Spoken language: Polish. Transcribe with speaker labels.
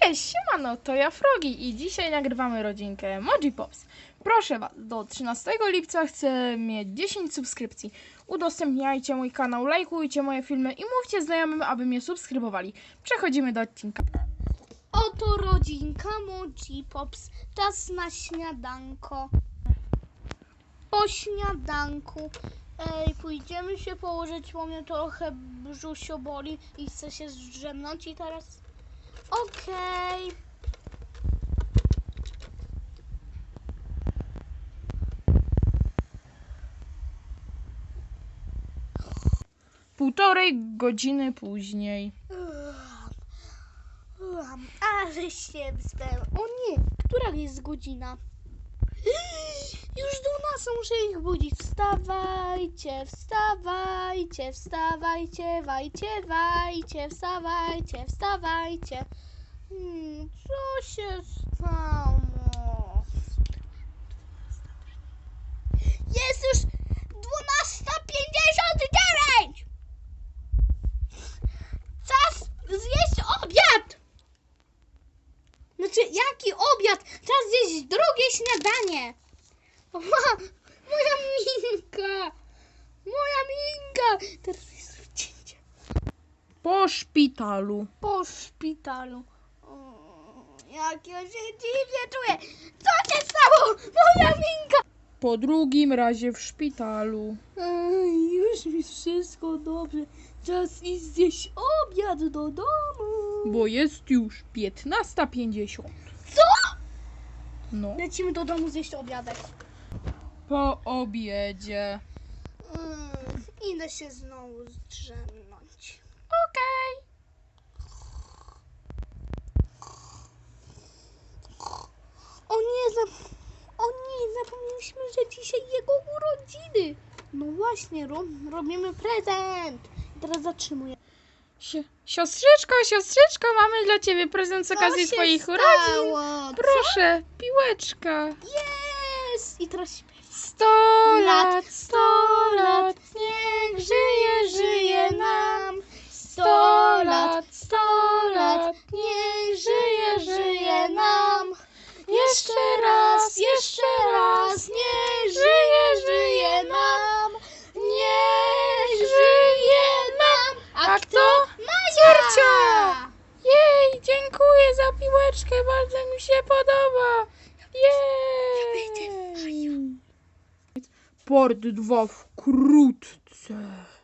Speaker 1: Cześć, siemano, to ja Frogi i dzisiaj nagrywamy rodzinkę Emoji Pops. Proszę was, do 13 lipca chcę mieć 10 subskrypcji. Udostępniajcie mój kanał, lajkujcie moje filmy i mówcie znajomym, aby mnie subskrybowali. Przechodzimy do odcinka.
Speaker 2: Oto rodzinka Emoji Pops. Czas na śniadanko. Po śniadanku pójdziemy się położyć, bo mnie trochę brzusio boli i chcę się zdrzemnąć i teraz okej.
Speaker 1: Półtorej godziny później.
Speaker 2: Ale się wyspałem. O nie, która jest godzina? Już 12, muszę ich budzić. Wstawajcie, wstawajcie, wstawajcie, wajcie, wstawajcie, wstawajcie. Co się stało? Jest już 12:59! Czas zjeść obiad! Znaczy, jaki obiad? Czas zjeść drugie śniadanie. Moja minka! Moja minka! Teraz jest wcięcie.
Speaker 1: Po szpitalu.
Speaker 2: Po szpitalu. Jak ja się dziwnie czuję. Co się stało? Moja minka!
Speaker 1: Po drugim razie w szpitalu.
Speaker 2: Już mi wszystko dobrze. Czas iść zjeść obiad do domu.
Speaker 1: Bo jest już 15:50.
Speaker 2: Co?
Speaker 1: No.
Speaker 2: Lecimy do domu zjeść obiadek.
Speaker 1: Po obiedzie.
Speaker 2: Idę się znowu zdrzemnąć.
Speaker 1: Okej.
Speaker 2: O nie, zapomnieliśmy, że dzisiaj jego urodziny. No właśnie, robimy prezent. I teraz zatrzymuję.
Speaker 1: Siostrzyczko, mamy dla ciebie prezent z okazji
Speaker 2: Co się
Speaker 1: twoich
Speaker 2: stało?
Speaker 1: urodzin. Proszę, piłeczka.
Speaker 2: Jest! I teraz śpiew.
Speaker 1: 100 lat, 100 lat, niech żyje nam. 100 lat, 100 lat,
Speaker 2: niech
Speaker 1: żyje nam. Jeszcze raz, niech żyje nam. Niech żyje nam. A kto? Córcia! Jej, dziękuję za piłeczkę, bardzo mi się podoba. Jej! Part 2 wkrótce.